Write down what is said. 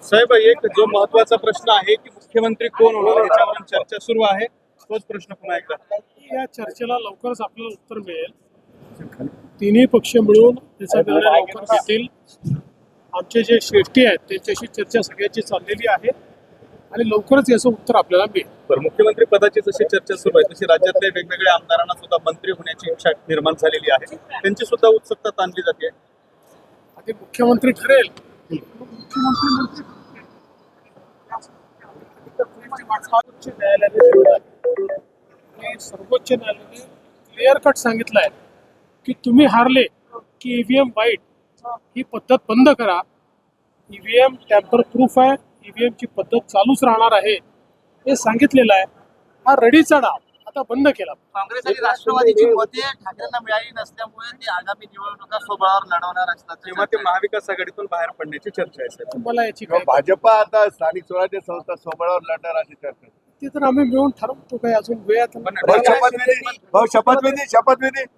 साहेब, एक जो महत्वाचा प्रश्न आहे की मुख्यमंत्री कोण होणार याच्यावर चर्चा सुरू आहे, तोच प्रश्न पुन्हा एकदा. या चर्चेला लवकरच आपल्याला उत्तर मिळेल. तिन्ही पक्ष मिळून त्याचा निर्णय लवकर घेतील. आमचे जे श्रेष्ठी आहेत त्यांच्याशी चर्चा सगळ्यांची चाललेली आहे आणि लवकरच याचं उत्तर आपल्याला मिळेल. बरं, मुख्यमंत्री पदाची जशी चर्चा सुरू आहे तशी राज्यातल्या वेगवेगळ्या आमदारांना सुद्धा मंत्री होण्याची इच्छा निर्माण झालेली आहे, त्यांची सुद्धा उत्सुकता ताणली जाते. आधी मुख्यमंत्री ठरेल. मुख्यमंत्री सर्वोच्च न्यायालयाने ठरवलं आहे. आणि सर्वोच्च न्यायालयाने क्लिअर कट सांगितलं आहे की तुम्ही हारले की ईव्हीएम वाईट ही पद्धत बंद करा. ईव्हीएम टॅम्पर प्रूफ आहे, ईव्हीएम ची पद्धत चालूच राहणार आहे हे सांगितलेलं आहे. हा रडीचा डाव आता बंद केला. काँग्रेस आणि राष्ट्रवादीची मते ठाकरेंना मिळाली नसल्यामुळे ते आगामी निवडणुका स्वबळावर लढवणार असतात तेव्हा ते महाविकास आघाडीतून बाहेर पडण्याची चर्चा आहे साहेब. मला याची काय भाजपा आता स्थानिक स्वराज्य संस्था स्वबळावर लढणार अशी चर्चा. ते तर आम्ही मिळून ठरवतो. काही अजून वेळ आता नाही. शपथविधी